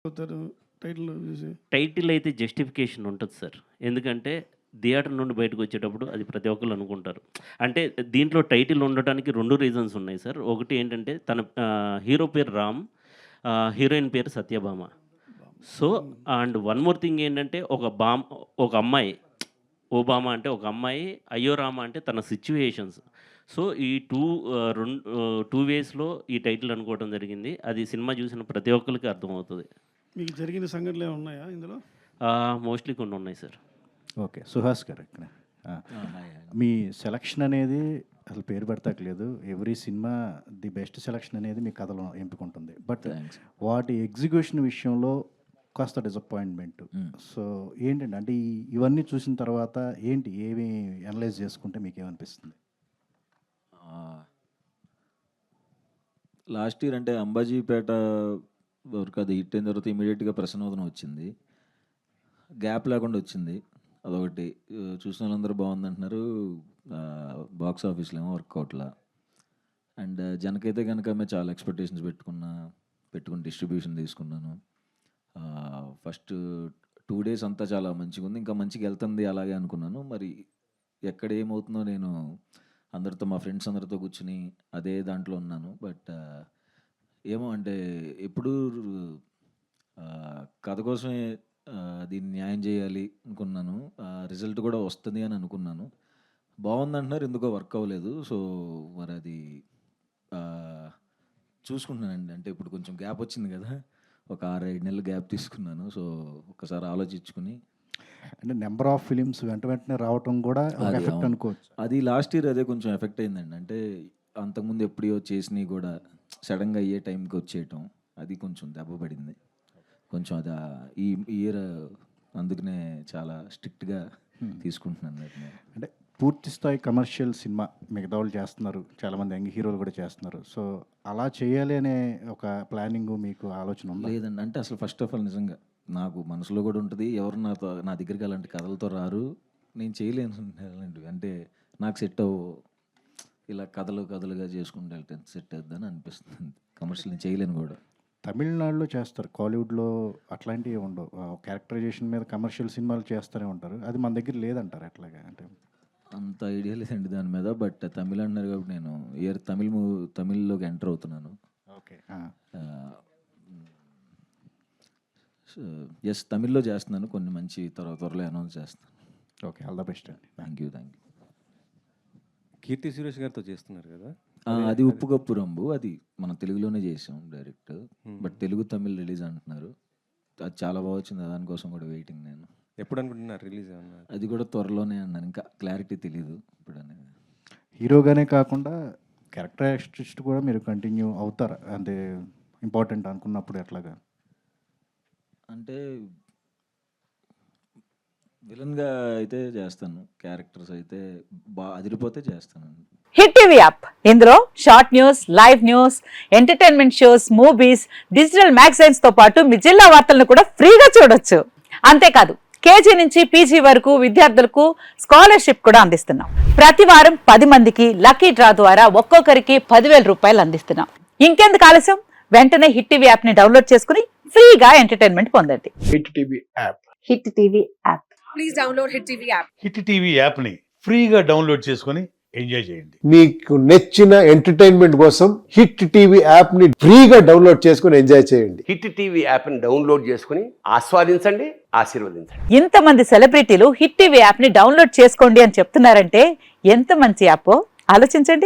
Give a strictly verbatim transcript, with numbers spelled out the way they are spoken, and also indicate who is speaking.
Speaker 1: అవుతారు టైటిల్ చూసి?
Speaker 2: టైటిల్ అయితే జస్టిఫికేషన్ ఉంటుంది సార్. ఎందుకంటే థియేటర్ నుండి బయటకు వచ్చేటప్పుడు అది ప్రతి ఒక్కళ్ళు అనుకుంటారు. అంటే దీంట్లో టైటిల్ ఉండటానికి రెండు రీజన్స్ ఉన్నాయి సార్. ఒకటి ఏంటంటే తన ఆహ్, హీరో పేరు రామ్, ఆహ్, హీరోయిన్ పేరు Satyabhama. So, and one more thing ఏంటంటే ఒక బామ్ ఒక అమ్మాయి, ఓబామా అంటే ఒక అమ్మాయి, అయ్యో రామ అంటే తన సిట్యుయేషన్స్. సో, ఈ టూ ఆహ్, రెండు ఆహ్, టూ వేస్‌లో ఈ టైటిల్ అనుకోవడం జరిగింది. అది సినిమా చూసిన ప్రతి ఒక్కళ్ళకి అర్థమవుతది.
Speaker 1: మీకు జరిగిన సంఘటనలు ఏమైనా ఉన్నాయా ఇందులో?
Speaker 2: ఆహ్, మోస్ట్‌లీ కొన్ని ఉన్నాయి సార్.
Speaker 3: ఓకే. సుహాస్ గారు ఇక్కడ. ఆ! మీ సెలక్షన్ అనేది అసలు పేరు పెడతాకలేదు. Every cinema the best selection అనేది మీ కథలో ఎంపికుంటుంది. బట్ వాటి ఎగ్జిక్యూషన్ విషయంలో కాస్త డిసప్పాయింట్మెంట్. సో ఏంటండి అంటే ఈ ఇవన్నీ చూసిన తర్వాత ఏంటి ఏమి అనలైజ్ చేసుకుంటే మీకేమనిపిస్తుంది?
Speaker 4: లాస్ట్ ఇయర్ అంటే అంబాజీపేట వరకు అది హిట్ అయిన తర్వాత ఇమీడియట్గా ప్రసన్నోదనం వచ్చింది. గ్యాప్ లేకుండా వచ్చింది. అదొకటి చూసిన వాళ్ళందరూ బాగుందంటున్నారు. బాక్స్ ఆఫీస్లో ఏమో వర్కౌట్లా. అండ్ జనకైతే కనుక మేము చాలా ఎక్స్పెక్టేషన్స్ పెట్టుకున్నా పెట్టుకుని డిస్ట్రిబ్యూషన్ తీసుకున్నాను. ఫస్ట్ టూ డేస్ అంతా చాలా మంచిగా ఉంది, ఇంకా మంచిగా వెళ్తుంది అలాగే అనుకున్నాను. మరి ఎక్కడ ఏమవుతుందో నేను అందరితో మా ఫ్రెండ్స్ అందరితో కూర్చుని అదే దాంట్లో ఉన్నాను. బట్ ఏమో అంటే ఎప్పుడు కథ కోసమే దీన్ని న్యాయం చేయాలి అనుకున్నాను. రిజల్ట్ కూడా వస్తుంది అని అనుకున్నాను. బాగుందంటున్నారు, ఎందుకో వర్క్ అవ్వలేదు. సో మరి అది చూసుకుంటున్నానండి. అంటే ఇప్పుడు కొంచెం గ్యాప్ వచ్చింది కదా, ఒక ఆరు ఐదు నెలలు గ్యాప్ తీసుకున్నాను. సో ఒకసారి ఆలోచించుకుని
Speaker 3: అంటే నెంబర్ ఆఫ్ ఫిలిమ్స్ వెంట వెంటనే రావటం కూడా ఎఫెక్ట్ అనుకోవచ్చు.
Speaker 4: అది లాస్ట్ ఇయర్ అదే కొంచెం ఎఫెక్ట్ అయిందండి. అంటే అంతకుముందు ఎప్పుడో చేసినవి కూడా సడన్గా అయ్యే టైంకి వచ్చేయటం, అది కొంచెం దెబ్బ పడింది. కొంచెం అది ఈ ఇయర్ అందుకనే చాలా స్ట్రిక్ట్గా తీసుకుంటున్నాను.
Speaker 3: అంటే పూర్తి స్థాయి కమర్షియల్ సినిమా మిగతా వాళ్ళు చేస్తున్నారు, చాలామంది యంగ్ హీరోలు కూడా చేస్తున్నారు. సో అలా చేయాలి అనే ఒక ప్లానింగ్ మీకు ఆలోచన ఉందా?
Speaker 4: లేదండి. అంటే అసలు ఫస్ట్ ఆఫ్ ఆల్ నిజంగా నాకు మనసులో కూడా ఉంటుంది, ఎవరు నాతో నా దగ్గరికి అలాంటి కథలతో రారు, నేను చేయలేను అలాంటివి. అంటే నాకు సెట్ అవ్వు, ఇలా కథలు కథలుగా చేసుకుంటూ వెళ్తే సెట్ అవుద్దని అనిపిస్తుంది. కమర్షియల్ నేను చేయలేను కూడా.
Speaker 3: తమిళనాడులో చేస్తారు, కాలీవుడ్లో అట్లాంటివి ఉండవు. క్యారెక్టరైజేషన్ మీద కమర్షియల్ సినిమాలు చేస్తూనే ఉంటారు. అది మన దగ్గర లేదంటారు ఎట్లాగా? అంటే
Speaker 4: అంత ఐడియా లేదండి దాని మీద. బట్ తమిళ అన్నారు కాబట్టి నేను ఇయర్ తమిళ్ మూవీ తమిళ్లోకి ఎంటర్ అవుతున్నాను.
Speaker 3: ఓకే.
Speaker 4: ఎస్, తమిళ్లో చేస్తున్నాను. కొన్ని మంచి త్వర త్వరలో అనౌన్స్ చేస్తాను.
Speaker 3: ఓకే, ఆల్ ద బెస్ట్ అండి.
Speaker 4: Thank you thank you.
Speaker 5: Keerthy Suresh గారితో చేస్తున్నారు కదా,
Speaker 4: అది ఉప్పు కప్పు రంబు, అది మనం తెలుగులోనే చేసాం direct. But Telugu Tamil release అంటున్నారు. అది చాలా బాగా వచ్చింది, దానికోసం కూడా వెయిటింగ్ నేను.
Speaker 5: ఎప్పుడు అనుకుంటున్నారు రిలీజ్ అన్నారు?
Speaker 4: అది కూడా త్వరలోనే అన్నాను, ఇంకా క్లారిటీ తెలీదు ఇప్పుడు అనేది.
Speaker 3: హీరోగానే కాకుండా క్యారెక్టర్ ఆర్టిస్ట్ కూడా మీరు కంటిన్యూ అవుతారా? అంటే ఇంపార్టెంట్ అనుకున్నప్పుడు ఎట్లాగా?
Speaker 4: అంటే విలన్గా అయితే చేస్తాను, క్యారెక్టర్స్ అయితే బాగా అదిరిపోతే చేస్తాను.
Speaker 6: హిట్ టీవీ యాప్, ఇందులో short news, live news, entertainment shows, movies, digital magazines తో పాటు మీ జిల్లా వార్తలను కూడా ఫ్రీగా చూడొచ్చు. అంతేకాదు కేజీ నుంచి పీజీ వరకు విద్యార్థులకు స్కాలర్షిప్ కూడా అందిస్తున్నాం. ప్రతి వారం పది మందికి లక్కీ డ్రా ద్వారా ఒక్కొక్కరికి పదివేల రూపాయలు అందిస్తున్నాం. ఇంకెందుకు ఆలస్యం, వెంటనే హిట్ టీవీ యాప్ ని డౌన్లోడ్ చేసుకుని ఫ్రీగా ఎంటర్టైన్మెంట్ పొందండి.
Speaker 7: Hit TV app.
Speaker 6: Hit TV app.
Speaker 8: Please download hit TV app.
Speaker 7: Hit TV app ని ఫ్రీగా డౌన్లోడ్ చేసుకొని ఎంజాయ్ చేయండి.
Speaker 9: మీకు నచ్చిన ఎంటర్టైన్మెంట్ కోసం హిట్ టీవీ యాప్ ని ఫ్రీగా డౌన్లోడ్ చేసుకొని ఎంజాయ్ చేయండి.
Speaker 10: హిట్ టీవీ యాప్ ని డౌన్లోడ్ చేసుకుని ఆస్వాదించండి, ఆశీర్వదించండి.
Speaker 6: ఇంతమంది సెలబ్రిటీలు హిట్ టీవీ యాప్ ని డౌన్లోడ్ చేసుకోండి అని చెప్తున్నారంటే ఎంత మంచి యాప్ ఆలోచించండి.